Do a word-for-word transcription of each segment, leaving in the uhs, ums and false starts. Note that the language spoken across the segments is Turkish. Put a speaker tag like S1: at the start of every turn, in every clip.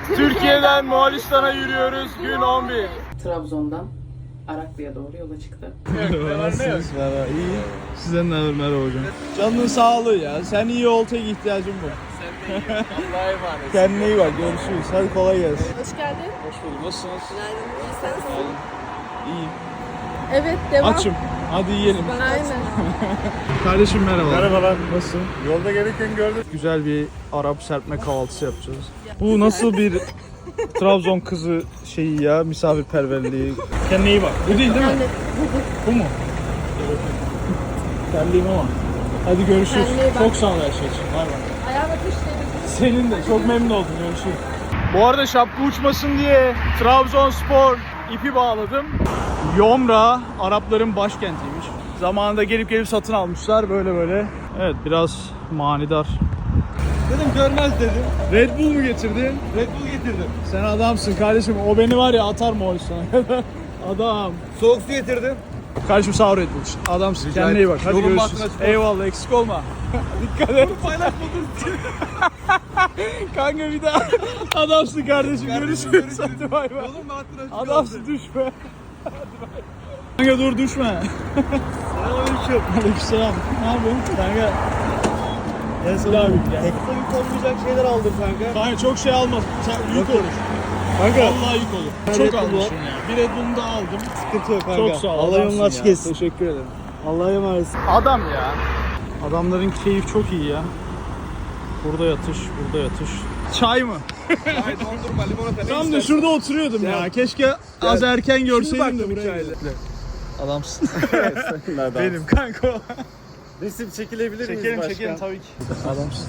S1: Türkiye'den Moğolistan'a yürüyoruz. Gün on bir.
S2: Trabzon'dan Araklı'ya doğru yola çıktı.
S1: Nasılsınız? Merhaba. İyi. Sizden ne haber? Merhaba hocam. Canının sağlığı ya. Sen iyi ol, tek ihtiyacın bu.
S3: Sen de iyi. Allah'a emanet.
S1: Kendine iyi bak. Görüşürüz. Hadi kolay gelsin.
S4: Hoş geldin.
S1: Hoş bulduk. Nasılsınız?
S4: Günaydın. İyi sensin.
S1: İyiyim.
S4: Evet, devam.
S1: Açım. Hadi yiyelim.
S4: Aynen.
S1: Kardeşim merhaba.
S5: Merhabalar.
S1: Nasılsın?
S5: Yolda gelirken gördüm.
S1: Güzel bir Arap serpme kahvaltısı yapacağız. Bu nasıl bir Trabzon kızı şeyi ya, misafirperverliği. Kendine iyi bak. Bu değil değil mi? Bu mu? Terliyim ama. Hadi görüşürüz.
S4: Kendine iyi bak.
S1: Çok sağ ol her şey için. Bay bay.
S4: Ayağına kuşları.
S1: Senin de. Çok memnun oldum. Görüşürüz. Bu arada şapka uçmasın diye Trabzonspor ipi bağladım. Yomra Arapların başkentiymiş. Zamanında gelip gelip satın almışlar böyle böyle. Evet, biraz manidar.
S5: Dedim görmez dedim.
S1: Red Bull mu getirdin?
S5: Red Bull getirdim.
S1: Sen adamsın kardeşim. O beni var ya atar Moğolistan'a kadar. Adam.
S5: Soğuk su getirdim.
S1: Kardeşim sağ ol Red Bull için. Adamsın.
S5: Rica
S1: Kendine iyi bak. Hadi
S5: Yolun
S1: görüşürüz.
S5: bahtına çık.
S1: Eyvallah, eksik olma. Dikkat et.
S5: Paylaşmadın.
S1: Kanka bir daha. Adamsın kardeşim. Görüşürüz. Hadi bay bay.
S5: Yolun bahtına çık.
S1: Adamsın, düşme. Kanka dur, düşme.
S5: Selamünaleyküm.
S1: Aleykümselam. Ne yapıyorsun? Kanka. Gel Sıla abi. Gel.
S5: Tekte yük olmayacak şeyler aldım kanka.
S1: Kanka çok şey alma. Sen yük
S5: Yok.
S1: olur.
S5: Kanka.
S1: Vallahi yük olur.
S5: Ben Red
S1: Çok
S5: Bull
S1: almışım ya. Bir Red Bull'unu da aldım.
S5: Sıkıntı yok kanka.
S1: Çok sağ ol.
S5: Allah
S1: adamsın
S5: yolunu açık
S1: ya.
S5: etsin.
S1: Teşekkür ederim.
S5: Allah'a emanet.
S1: Adam ya. Adamların keyif çok iyi ya. Burada yatış, burada yatış. Çay mı?
S5: Hayır dondurma limonata.
S1: Tam da şurada oturuyordum ya.
S5: Ya.
S1: Keşke az erken görseydim de
S5: baktım
S1: buraya.
S5: hikayede.
S1: Adamsın.
S5: Benim.
S1: Benim kanka o.
S5: Resim çekilebilir miyiz
S1: Çekelim
S5: başkan?
S1: çekelim tabii ki. Adamsın.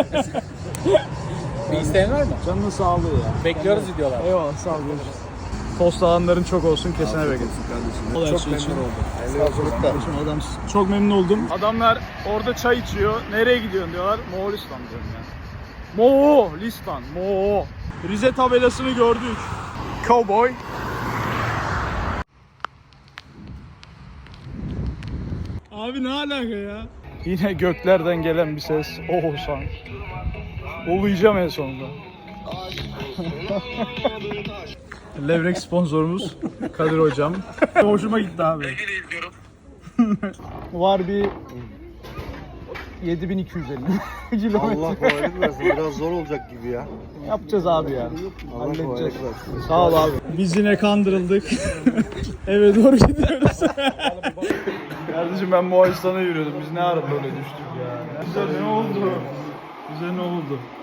S3: Bir isteğin var mı?
S1: Canının sağlığı ya.
S3: Bekliyoruz videolar.
S1: Eyvallah, sağ ol, görüşürüz. Tost alanların çok olsun, kesene bereket.
S5: kardeşim.
S1: Çok memnun oldum.
S5: Hayırlı yolculuklar.
S1: Kardeşim adamsın. Çok memnun oldum. Adamlar orada çay içiyor. Nereye gidiyorsun diyorlar. Moğolistan diyorum ya. Moğolistan. Mo. Rize tabelasını gördük. Cowboy. Abi ne alaka ya? Yine göklerden gelen bir ses. Oğuzhan. Oluyacağım en sonunda. Levrek sponsorumuz Kadir hocam. Hoşuma gitti abi. Var bir yedi bin iki yüz elli kilometre.
S5: Allah kolaylık versin. Biraz zor olacak gibi ya.
S1: Yapacağız abi ya.
S5: Allah
S1: Halledeceğiz.
S5: kolaylık versin.
S1: Sağ ol abi. Biz yine kandırıldık. Eve doğru gidiyoruz. Kardeşim ben Moğolistan'a yürüyordum. Biz ne ara böyle düştük ya. Bize ne oldu? Bize ne oldu?